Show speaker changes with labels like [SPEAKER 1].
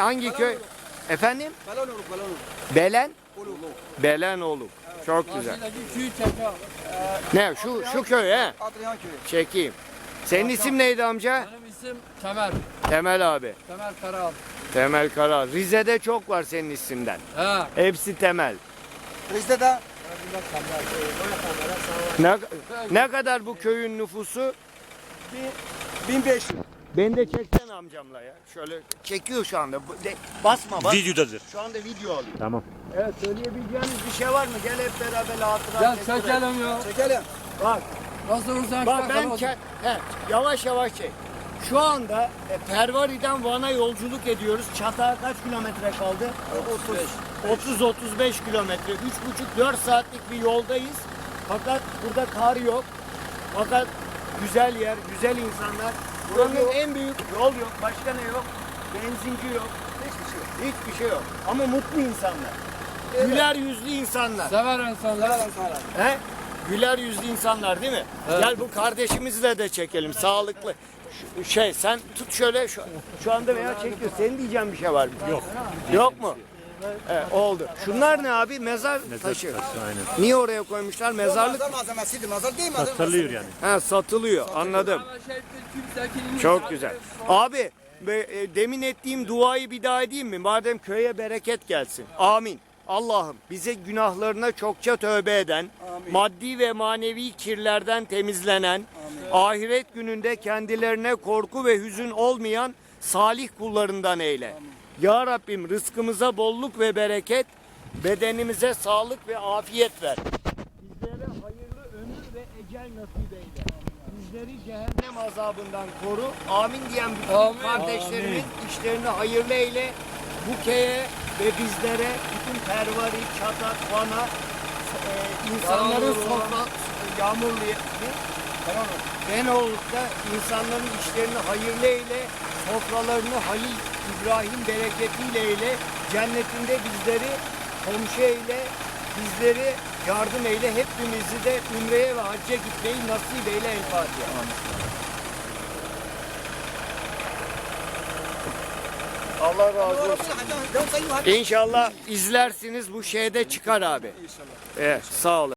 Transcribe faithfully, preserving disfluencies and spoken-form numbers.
[SPEAKER 1] Hangi köy? Efendim?
[SPEAKER 2] Belenoluk, Belenoluk.
[SPEAKER 1] Belen?
[SPEAKER 2] Oluk.
[SPEAKER 1] Belenoluk. Çok güzel.
[SPEAKER 3] Karşıdaki köyü çekiyor.
[SPEAKER 1] Ne şu şu köy he?
[SPEAKER 2] Adrian köyü.
[SPEAKER 1] Çekeyim. Senin isim neydi amca?
[SPEAKER 3] Benim isim Temel.
[SPEAKER 1] Temel abi.
[SPEAKER 3] Temel Karal.
[SPEAKER 1] Temel Kara. Rize'de çok var senin isimden.
[SPEAKER 3] He.
[SPEAKER 1] Hepsi Temel.
[SPEAKER 2] Bizde de
[SPEAKER 1] Ne, ne kadar bu köyün nüfusu?
[SPEAKER 2] bin beş yüz.
[SPEAKER 1] Beni de çeksen amcamla ya. Şöyle çekiyor şu anda. Bu- de- basma bas.
[SPEAKER 4] Videodadır.
[SPEAKER 1] Şu anda video alıyor.
[SPEAKER 4] Tamam.
[SPEAKER 1] Evet, söyleyebileceğiniz bir şey var mı? Gel hep beraber hatıra
[SPEAKER 3] Gel
[SPEAKER 1] çekelim.
[SPEAKER 3] çekelim ya.
[SPEAKER 2] Çekelim.
[SPEAKER 1] Bak,
[SPEAKER 3] Nasıl olursan
[SPEAKER 1] bak
[SPEAKER 3] çek,
[SPEAKER 1] ben
[SPEAKER 3] ama-
[SPEAKER 1] ke- he, yavaş yavaş çek. Şu anda e, Pervari'den Van'a yolculuk ediyoruz. Çatağa kaç kilometre kaldı? otuz otuz beş kilometre. üç buçuk dört saatlik bir yoldayız. Fakat burada kar yok. Fakat güzel yer, güzel insanlar. Buranın en büyük yol yok. Başka ne yok? Benzinci yok. Hiçbir şey yok. Hiçbir şey yok. Ama mutlu insanlar. Güler yüzlü insanlar.
[SPEAKER 3] Sever insanlar.
[SPEAKER 2] Selam sana.
[SPEAKER 1] He? Güler yüzlü insanlar değil mi?
[SPEAKER 3] Evet.
[SPEAKER 1] Gel bu kardeşimizle de çekelim. Sağlıklı. Şu- şey sen tut şöyle şu, şu anda veya çekiyor. Senin diyeceğin bir şey var mı? Yok. Yok mu? Evet, oldu. Şunlar ne abi? Mezar, taşı.
[SPEAKER 4] Aynen.
[SPEAKER 1] Niye oraya koymuşlar? Mezarlık.
[SPEAKER 2] Mazhar malzemesiydi. Mazhar değil mi? Mazhar
[SPEAKER 4] Satılıyor yani.
[SPEAKER 1] Ha, satılıyor. Anladım.
[SPEAKER 3] Ama şey, kimse-
[SPEAKER 1] Çok güzel. Abi be- e, demin ettiğim duayı bir daha edeyim mi? Madem köye bereket gelsin. Amin. Allah'ım bize günahlarına çokça tövbe eden,
[SPEAKER 2] Amin.
[SPEAKER 1] maddi ve manevi kirlerden temizlenen, ahiret gününde kendilerine korku ve hüzün olmayan salih kullarından eyle. Ya Rabbim rızkımıza bolluk ve bereket, bedenimize sağlık ve afiyet ver. Bizlere hayırlı ömür ve ecel nasip eyle. Bizleri cehennem azabından koru. Amin diyen bütün
[SPEAKER 3] Amin.
[SPEAKER 1] kardeşlerimin işlerini hayırlı eyle. Bu köye ve bizlere, bütün Pervari, Çatak, Van'a, e, insanların
[SPEAKER 3] Yağmurlu.
[SPEAKER 1] sofra, yağmurlu, ne? Benoluk'ta insanların işlerini hayırlı eyle, sofralarını Halil İbrahim bereketiyle eyle, cennetinde bizleri komşu eyle, bizleri yardım eyle, hepimizi de Ümre'ye ve Hacca gitmeyi nasip eyle. El Fatiha. Allah razı olsun. İnşallah izlersiniz, bu şeyde çıkar abi. Evet, sağ olun.